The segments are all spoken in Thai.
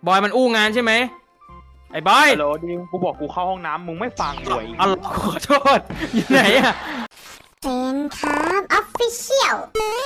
บอยมันอู้งานใช่ไหมไอ้บอยฮัลโหลดิมกูบอกกูเข้าห้องน้ำมึงไม่ฟังเลยอ๋อขอโทษอยู่ไหนอะเป็นครับออฟฟิเชียล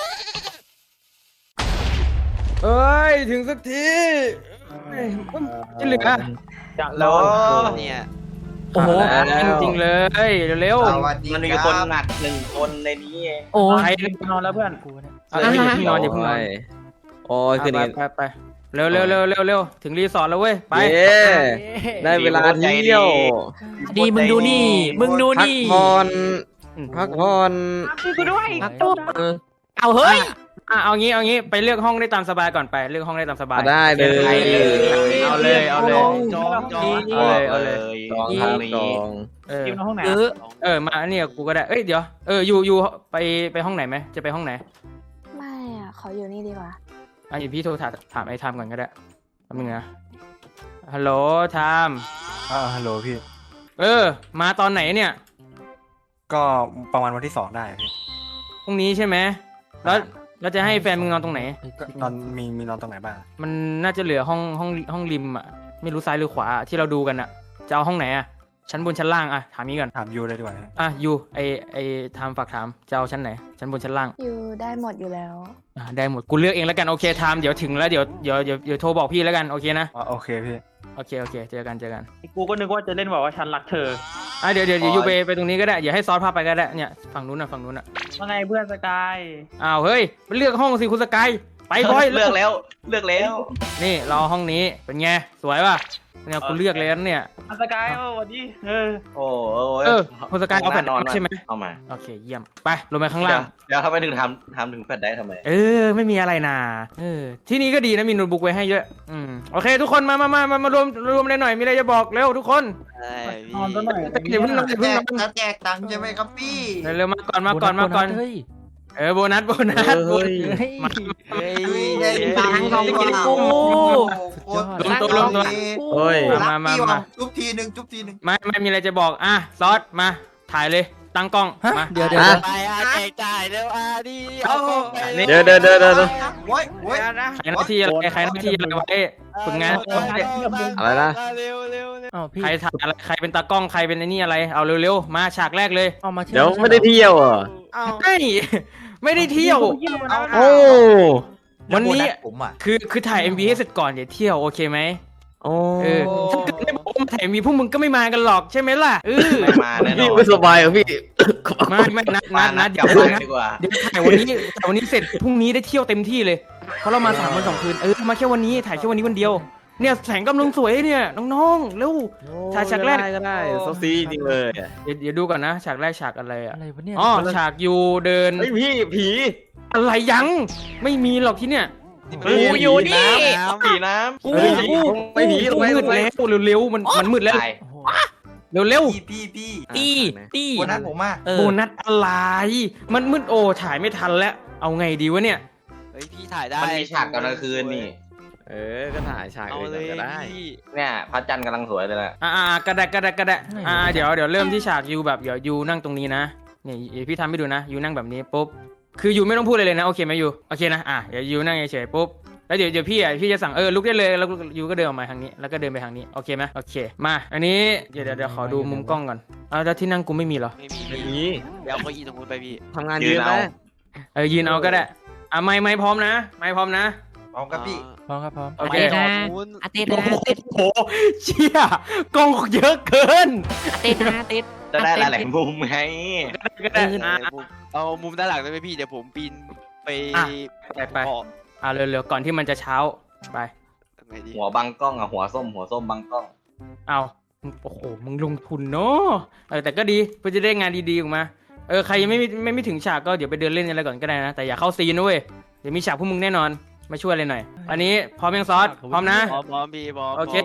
เอ้ยถึงสักทีจะเหลือจะแล้แล้ว วเนี่ยโอ้โหจริงเลยเร็วสวัสดีมันมีคคนรับหนัก1 คนในนี้เองๆโอ้ยนอนแล้วเพื่อนอย่าเพิ่งนอนอย่าเพิ่งนอนโอ้ยคืนนี้ไปเร็วถึงรีสอร์ทแล้วเว้ยไปเย้ได้เวลาเที่ยวดีมึงดูนี่มึงดูนี่พักผ่อนกูด้วยเอาเฮ้ยเอางี้ไปเลือกห้องได้ตามสบายก่อนไปเลือกห้องได้ตามสบายได้เลยเอาเลยจองเอาเลยจองครับจองดิมในห้องไหนมาเนี่ยกูก็ได้เอ้ยเดี๋ยวอยู่ไปห้องไหนไหมจะไปห้องไหนไม่อ่ะ ขออยู่นี่ดีกว่าเดี๋ยวพี่โทรถามไอ้ไทม์ก่อนก็ได้แป๊บนึงนะฮัลโหลไทม์ฮัลโหลพี่มาตอนไหนเนี่ยก็ประมาณวันที่2ได้พี่พรุ่งนี้ใช่ไหมแล้วจะให้แฟนมึงนอนตรงไหนก็นอนมีนอนตรงไหนบ้างมันน่าจะเหลือห้องริมอ่ะไม่รู้ซ้ายหรือขวาที่เราดูกันอ่ะจะเอาห้องไหนอ่ะชั้นบนชั้นล่างอ่ะถามนี้ก่อนถามยูเลยดีกว่านะยูไอไทม์ฝากถามจะเอาชั้นไหนชั้นบนชั้นล่างอยู่ได้หมดอยู่แล้วได้หมดกูเลือกเองแล้วกันโอเคไทม์เดี๋ยวถึงแล้วเดี๋ยวโทรบอกพี่แล้วกันโอเคนะโอเคพี่โอเคเจอกันกูก็นึกว่าจะเล่นบอกว่าฉันรักเธอเดี๋ยวยูไปตรงนี้ก็ได้เดี๋ยวให้ซอสพาไปก็ได้เนี่ยฝั่งนู้นอ่ะว่าไงเพื่อนสกายอ้าวเฮ้ยไปเลือกห้องสิคุณสกายไปบอยเลือกแล้วนี่เราห้องนี้เป็นไงสวยป่ะเนี่ยกูเลือกแล้วเนี่ยสกายวันนี้โอ้คุณสกายเอาแผ่นนอนใช่ไหมเอามาโอเคเยี่ยมไปลงไปข้างล่างเดี๋ยวทำไมถึงทำถึงแฟดได้ทำไมไม่มีอะไรนาที่นี่ก็ดีนะมีโน้ตบุ๊กไว้ให้เยอะโอเคทุกคนมารวมเลยหน่อยมีอะไรจะบอกเร็วทุกคนนอนซะหน่อยเดี๋ยวเพิ่งนอนจะแจกตังค์ใช่ไหมครับพี่เร็วมาก่อนโบนัสเฮ้ยได้ตังค์ของเรารวมตัวโอ้ยมาจุ๊บทีหนึ่งไม่มีอะไรจะบอกซอสมาถ่ายเลยตั้งกล้องมาเดี๋ยวไปแจกจ่ายเร็วดิเดี๋ยวโว้ยใครหน้าที่อะไรไว้ฝึกงานอะไรนะใครถ่ายอะไรใครเป็นตากล้องใครเป็นไอ้นี่อะไรเอาเร็วๆมาฉากแรกเลยเดี๋ยวไม่ได้เที่ยวอ่ะไม่ได้เที่ยวโอ้วันนี้ผมอ่ะคือถ่าย MV ให้เสร็จก่อนเดี๋ยวเที่ยวโอเคไหมโอ้ถ้าเกิดไม่บอกว่ามาถ่าย MV พวกมึงก็ไม่มากันหรอกใช่ไหมล่ะไม่มาแน่นพี่อนไม่สบายเหรอพี่ไม่นัดกลับเดี๋ยวบ้านดีกว่าถ่ายวันนี้เสร็จพรุ่งนี้ได้เที่ยวเต็มที่เลยเพราะเรามา3 วัน 2 คืนมาแค่วันนี้ถ่ายแค่วันนี้วันเดียวเนี่ยแสงกำลังสวยเนี่ยน้องๆเร็ว ถ่ายฉากแรกก็ได้โซซีจริงเลยเดี๋ยวดูก่อนนะฉากแรกฉากอะไรอ่ะอะไรวะเนี่ยฉากยูเดินไอพี่ผีอะไรยังไม่มีหรอกที่เนี่ยกูอยู่นี่ผีน้กูไม่ผีมืดแล้วเร็วๆมันมืดำแล้วตายเร็วพี่ตีวันนั้นผมอ่ะโบนัสอะไรมันมืดโอ้ถ่ายไม่ทันแล้วเอาไงดีวะเนี่ยเฮ้ยพี่ถ่ายได้มันมีฉากตอนกลางคืนนี่ก็ถ่ายฉากเลยก็ได้เนี่ยพระจันทร์กำลังสวยเลยแหละกระดะเดี๋ยวเริ่มที่ฉากยูแบบเดี๋ยวยูนั่งตรงนี้นะเนี่ยพี่ทำให้ดูนะยูนั่งแบบนี้ปุ๊บคือยูไม่ต้องพูดเลยนะโอเคไหมยูโอเคนะเดี๋ยวยูนั่งเฉยๆปุ๊บแล้วเดี๋ยวพี่จะสั่งลุกได้เลยแล้วยูก็เดินออกมาทางนี้แล้วก็เดินไปทางนี้โอเคไหมโอเคมาอันนี้เดี๋ยวขอดูมุมกล้องก่อนแล้วที่นั่งกูไม่มีเหรอไม่มีเดี๋ยวเขาอีตรงนู้นไปพี่ทำงานยืนไหมยืนเอาก็ได้ไม่พร้อมนะไม่พร้อมนะพร้อมครับพี่พร้อมครับพร้อมโอเคอาทิตย์โอ้โหเชี่ยกล้องเยอะเกินติดจะได้หลายๆมุมไงก็ได้เอามุมด้านหลังได้ไหมพี่เดี๋ยวผมปีนไปไปเร็วๆก่อนที่มันจะเช้าไปหัวบังกล้องหัวส้มบังกล้องเอาโอ้โหมึงลงทุนเนาะแต่ก็ดีเพื่อจะได้งานดีๆออกมาใครยังไม่ถึงฉากก็เดี๋ยวไปเดินเล่นอะไรก่อนก็ได้นะแต่อย่าเข้าซีนนะเว้ยเดี๋ยวมีฉากพวกมึงแน่นอนมาช่วยเลยหน่อยอันนี้พร้อมยังซอสพร้อมนะพร้อมพี่พร้อมโอเค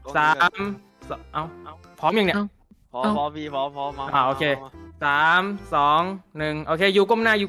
พร้อมยังเนี่ยพร้อมพี่พร้อมมาโอเค3 2 1โอเคยูก้มหน้า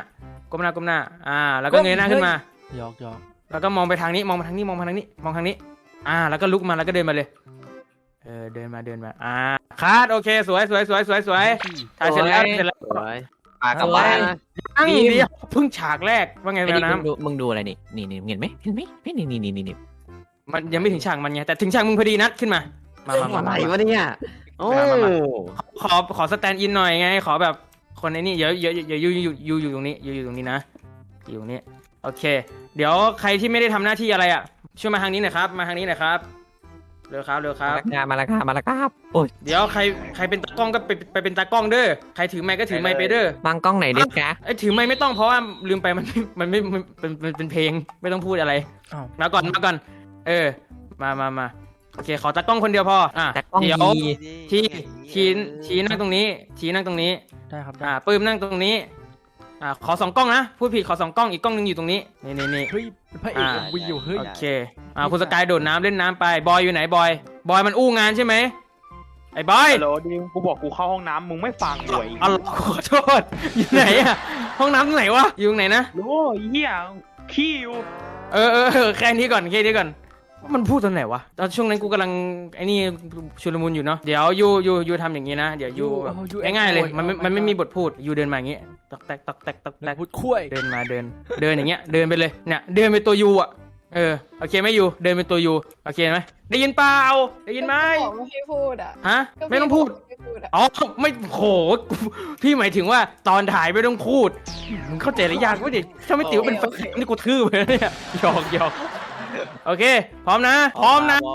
แล้วก็เงยหน้าขึ้นมาหยอกแล้วก็มองไปทางนี้มองทางนี้แล้วก็ลุกมาแล้วก็เดินมาเลยเดินมาคัดโอเคสวยถ่ายเสร็จแล้วกลับบ้านตั้งเดียวเพิ่งฉากแรกว่าไงไอ้แม่นี่น้ำมึงดูอะไรนี่เห็นไหมนี่นี่มันยังไม่ถึงฉากมันไงแต่ถึงฉากมึงพอดีนัดขึ้นมามาอะไรวะเนี่ยโอ้ขอสแตนด์อินหน่อยไงขอแบบคนในนี่เดี๋ยวอยู่ตรงนี้อยู่ตรงนี้นะอยู่ตรงนี้โอเค เดี๋ยวใครที่ไม่ได้ทำหน้าที่อะไรอ่ะช่วยมาทางนี้หน่อยครับมาทางนี้หน่อยครับเร็วครับมาแล้วครับโอ้ยเดี๋ยวใครเป็นตากล้องก็ไปเป็นตากล้องเด้อใครถือไมค์ก็ถือไมค์ไปเด้อบางกล้องไหนเด็กกะไอ้ถือไมค์ไม่ต้องเพราะว่าลืมไปมันไม่เป็นเพลงไม่ต้องพูดอะไรอ้าวมาก่อนมาโอเคขอตากล้องคนเดียวพอแต่กล้องเดี๋ยวดีชี้นั่งตรงนี้ได้ครับปื้มนั่งตรงนี้ขอ2 กล้องนะพูดผิดขอ2 กล้องอีกกล้องนึงอยู่ตรงนี้นี่เฮ้ยเป็นพระเอกวีอยู่เฮ้ยโอเคคุณสกายโดดน้ำเล่นน้ำไปบอยอยู่ไหนบอยมันอู้งานใช่ไหมไอ้บอยฮัลโหลดิกูบอกกูเข้าห้องน้ำมึงไม่ฟังเลยอ๋อขอโทษอยู่ไหนอะห้องน้ำตรงไหนวะอยู่ตรงไหนนะโอ้ยเหี้ยขี้อยู่แค่นี้ก่อนมันพูดตอนไหนวะตอนช่วงนั้นกูกำลังไอ้นี่ชุลมุนอยู่เนาะเดี๋ยวยูทำอย่างนี้นะเดี๋ยวยูง่ายๆเลยมันไม่มีบทพูดยูเดินมาอย่างงี้ตอกแตกพูดคุยเดินมาเดินอย่างเงี้ยเดินไปเลยเนี่ยเดินเป็นตัวยูอ่ะโอเคไหมยูเดินเป็นตัวยูโอเคไหมได้ยินเปล่าได้ยินไหมบอกไม่ให้พูดอ่ะฮะไม่ต้องพูดไม่พูดอ่ะอ๋อไม่โหพี่หมายถึงว่าตอนถ่ายไม่ต้องพูดมึงเข้าใจหรือยังวะดิถ้าไม่ติ๋วเป็นแฟนนี่กูทื่อไปแล้วเนี่ยหยอกโอเคพร้อมนะพร้อมครับ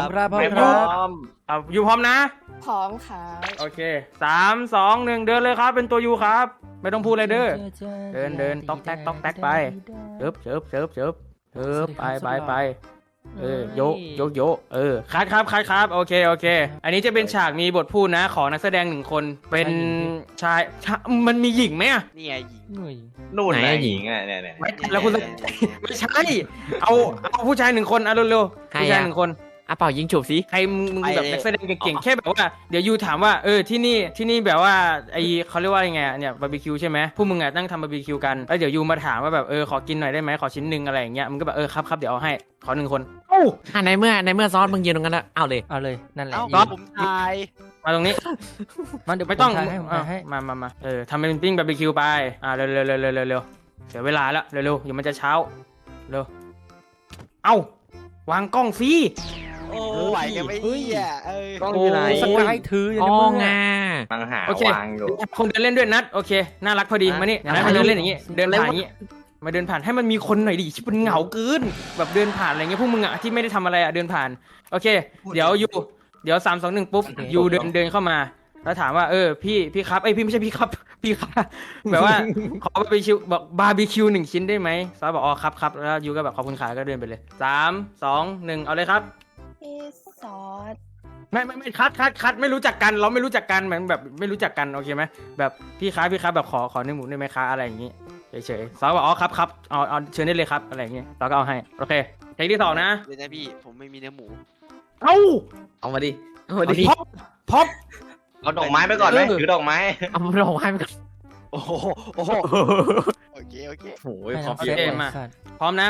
ยูพร้อมนะพร้อมค่ะโอเค3 2 1เดินเลยครับเป็นตัวยูครับไม่ต้องพูดอะไรเด้อเดินต๊อกแตกไปเชิบไปโยคัดโอเคอันนี้จะเป็นฉากมีบทพูดนะขอนักแสดง1 คนเป็นชายมันมีหญิงไหมอะนี่ไงหญิงนู่นไหนหญิงอ่ะเนี่ยแล้วคุณไม่ใช่เอาผู้ชาย1 คนเอาเร็วๆผู้ชาย1 คนเป่ายิงฉุบสิใครมึงแบบนักแสดงเก่งๆแค่แบบว่าเดี๋ยวยูถามว่าที่นี่แบบว่าไอเขาเรียกว่ายังไงเนี่ยบาร์บีคิวใช่ไหมพวกมึงอ่ะนั่งทำบาร์บีคิวกันแล้วเดี๋ยวยูมาถามว่าแบบขอกินหน่อยได้ไหมขอชิ้นหนึ่งอะไรอย่างเงี้ยมึงก็แบบครับเดี๋ยวเอาให้ขอ1 คนในเมื่อซอสมึงยืนตรงนั้นแล้วเอาเลยนั่นแหละเอ้าผมตายมาตรงนี้มันเดี๋ยวไม่ต้องให้มาทำเป็นปิ้งบาร์บีคิวไปเร็วเดี๋ยวเวลาแล้วเร็วเดี๋ยวมันจะเช้าเร็ววางกล้องฟรีโอ้ไหวกันไม่เหี้ยกล้องอยู่ไหนสกายถืออยู่อ๋ในอมือไงมังหาโอเควางอยู่คนเดินเล่นด้วยนัดโอเคน่ารักพอดีมานี่นัดมาเดินเล่นอย่างงี้เดินผ่านอย่างงี้มาเดินผ่านให้มันมีคนหน่อยดิชิบมันเหงาเกินแบบเดินผ่านอะไรเงี้ยพวกมึงอ่ะที่ไม่ได้ทำอะไรอ่ะเดินผ่านโอเคเดี๋ยว3 2 1ปุ๊บยูเดินเข้ามาแล้วถามว่าพี่ครับพี่ไม่ใช่พี่ครับพี่ครับแบบว่าขอบาร์บีคิวบอกบาร์บีคิว1 ชิ้นได้ไหมซอสบอกอ๋อครับแล้วยูก็แบบขอบคุณขาก็เดินไปเลย3 2 1เอาเลยครับพี่ซอสไม่คัดไม่รู้จักกันเราไม่รู้จักกันเหมือนแบบไม่รู้จักกันโอเคไหมแบบพี่ครับแบบขอเนื้อหมูได้ไหมคะอะไรอย่างงี้เฉยๆซอบอกอ๋อครับเอาเชิญได้เลยครับอะไรอย่างงี้เราก็เอาให้โอเคเทคที่2นะเดี๋ยวนะพี่ผมไม่มีเนื้อหมูเอามาดิพอบเอาดอกไม้ไปก่อนไหมถือดอกไม้เอามาลงให้มันก่อนโอ้โหโอเคโอ้ยขอโอเพียเคมาพร้อมนะ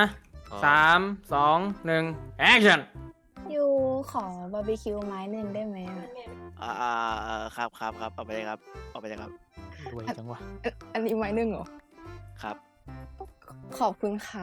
3 2 1 action ยูขอบาร์บีคิวไม้1ได้ไหมอ่ะครับเอาไปเลยครับรวยจังวะอันนี้ไม้1เหรอครับขอบคุณค่ะ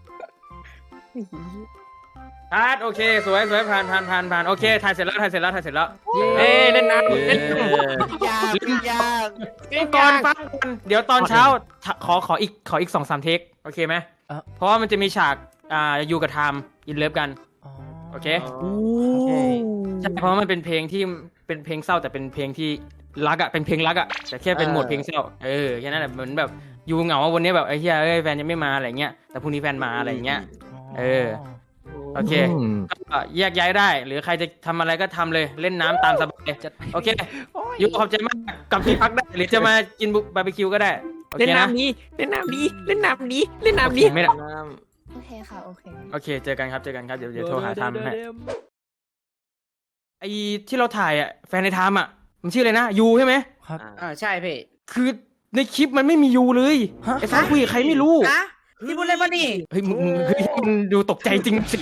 คัดโอเคสวยผ่านโอเคถ่ายเสร็จแล้วเล่นน้ำยากก่อนฟังก่อนเดี๋ยวตอนเช้าขออีก 2-3 เทคโอเคไหมเพราะว่ามันจะมีฉากอยู่กับไทม์อินเลิฟกันโอเคใช่เพราะว่ามันเป็นเพลงที่เป็นเพลงเศร้าแต่เป็นเพลงที่รักอ่ะเป็นเพลงรักอ่ะแต่แค่เป็นโหมดเพลงเศร้าแค่นั้นแหละเหมือนแบบยูเหงาว่าวันนี้แบบไอ้เหี้ยแฟนยังไม่มาอะไรเงี้ยแต่พรุ่งนี้แฟนมาอะไรเงี้ยโอเคก็แยกย้ายได้หรือใครจะทำอะไรก็ทำเลยเล่นน้ำตามสบายโอเคยูขอบใจมากกลับที่พักได้หรือจะมากินบาร์บีคิวก็ได้โอเล่เคน นะน้ำนี้ไม่ได้ไม่ได้โอเคค่ะโอเคโอเคเจอกันครับเดี๋ยวโทรหาไทม์ให้ไอที่เราถ่ายอ่ะแฟนในไทม์อ่ะมันชื่ออะไรนะยูใช่ไหมครับใช่พี่คือในคลิปมันไม่มียูเลยไอ้ฟ้าคุยกับใครไม่รู้พี่พูดอะไรมานี่เฮ้ยมึงดูตกใจจริงสิ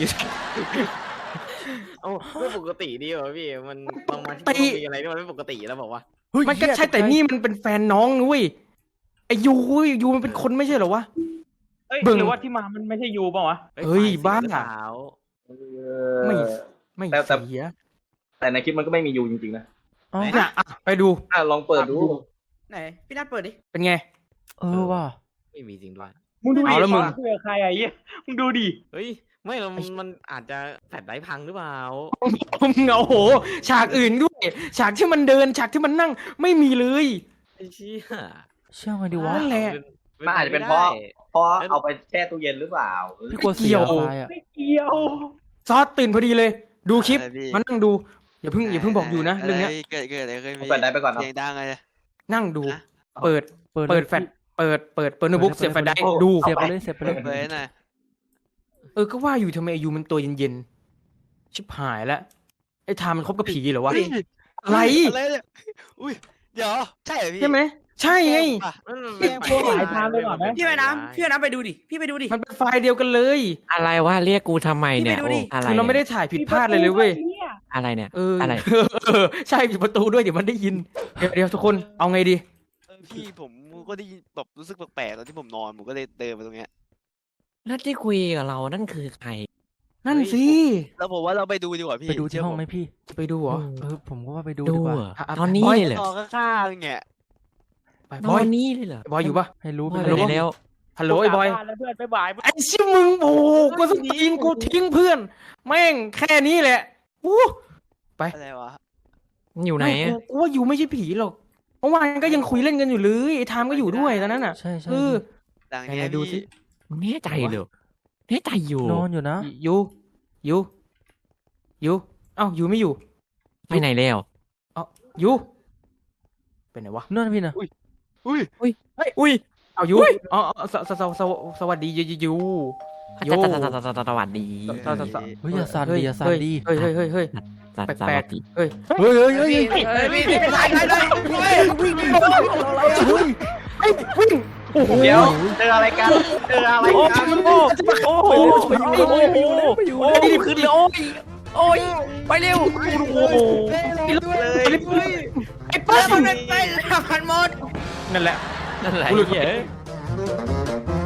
โอ้ไม่ปกติดีวะพี่มันบางวันที่มีอะไรที่มันไม่ปกติแล้วบอกว่ามันก็ใช่แต่นี่มันเป็นแฟนน้องนุ้ยไอ้ยูมันเป็นคนไม่ใช่เหรอวะหรือว่าที่มามันไม่ใช่ยูป่าวะเฮ้ยบ้าสาวไม่เออไม่แต่เสียแต่ในคลิปมันก็ไม่มียูจริงๆนะอ๋ออ่ะไปดูลองเปิดดูไหนพี่นัทเปิดดิเป็นไงเออว่ะไม่มีจริงด้วยมึงดูดิเอาแล้วมึงคุยกับใครไอ้เหี้ยมึงดูดิเฮ้ยไม่เรามันอาจจะแฟลชไดรฟ์พังหรือเปล่าโอ้โห ฉากอื่นด้วย ฉากที่มันเดิน ฉากที่มันนั่ง ไม่มีเลยไอ้เชี่ยเชื่อมาดิวะนั่นแหละมันอาจจะเป็นเพราะเอาไปแช่ตู้เย็นหรือเปล่าพี่กลัวเสียไฟล์อ่ะไม่เกี่ยวซอสตื่นพอดีเลย ดูคลิปอะไรพี่มานั่งดู อย่าเพิ่งบอกอยู่นะเรื่องเนี้ยเกิดอะไรขึ้นพี่เปิดได้ไปก่อนเนาะเสียงดังเลยนั่งดูฮะเปิดแฟลชเปิดโน้ตบุ๊กเสียบแฟลชไดรฟ์ดูเสียบไปเลยเสียบไปเลยเปิดหน่อยก็ว่าอยู่ทำไมอายุมันตัวเย็นๆ ชิบหายแล้วไอ้ทามมันคบกับผีเหรอวะ อะไรอะไรเนี่ยอุ้ยเดี๋ยวใช่เหรอพี่ใช่ไหม ใช่ไงแม่งพวกหลายทางไปก่อนนะพี่ไปน้ำไปดูดิพี่ไปดูดิมันเป็นไฟล์เดียวกันเลยอะไรวะเรียกกูทำไมเนี่ยพี่ไปดูดิโอ้อะไรคือเราไม่ได้ถ่ายผิดพลาดเลยเว้ยอะไรเนี่ยอะไร ใช่ปิดประตูด้วยเดี๋ยวมันได้ยิน เดี๋ยวทุกคนเอาไงดีพี่ผมก็ได้ยินแบบรู้สึกแปลกๆตอนที่ผมนอนผมก็เลยเดินมาตรงเนี้ยแล้วที่คุยกับเรานั่นคือใครนั่นสิแล้วผมว่าเราไปดูดีกว่าพี่ไปดูที่ห้องไหมพี่ไปดูเหรอผมก็ว่าไปดูดูดีกว่าเหรออ่ะตอนนี้บอยเลยเหรนออนข้างๆเนี่ยไปตบออยนนี้เลยเหรอบอยอยู่ปะให้รู้ไปบอยเลไปยแล้วฮัลโหลไอ้บอยแล้วเพื่อนไปบ่ายไอ้ชิมึงโอ้โหกูต้องทิ้งเพื่อน แม่งแค่นี้แหละอู้ไปอะไรวะอยู่ไหนไม่อะกูว่าอยู่ไม่ใช่ผีหรอกเมื่อวานก็ยังคุยเล่นกันอยู่เลยไอ้ทามก็อยู่ด้วยตอนนั้นอ่ะใช่ใช่เออดังไหนเนี้ยๆดูสิพี่แน่ใจเหรอแน่ใจอยู่นอนอยู่นะอยู่เอ้าอยู่ไม่อยู่ไปไหนแล้วอยู่เป็นไงวะนั่นพี่นะอุ้ยอุ้ยเอาอยู่อ๋อสวัสดีอยู่ โย่สวัสดีเฮ้ยอย่าสั่นดิอย่าสั่นดิเฮ้ยสวัแปลสกดีๆเฮ้ยพี่ไปถ่ายได้เดี๋ยวเจออะไรกันเจออะไรกันโอ้โหรีบขึ้นเลยโอ้ยไปเร็วไอ้ป้าไปพันหมดนั่นแหละนั่นแหละกูหลุดเหี้ย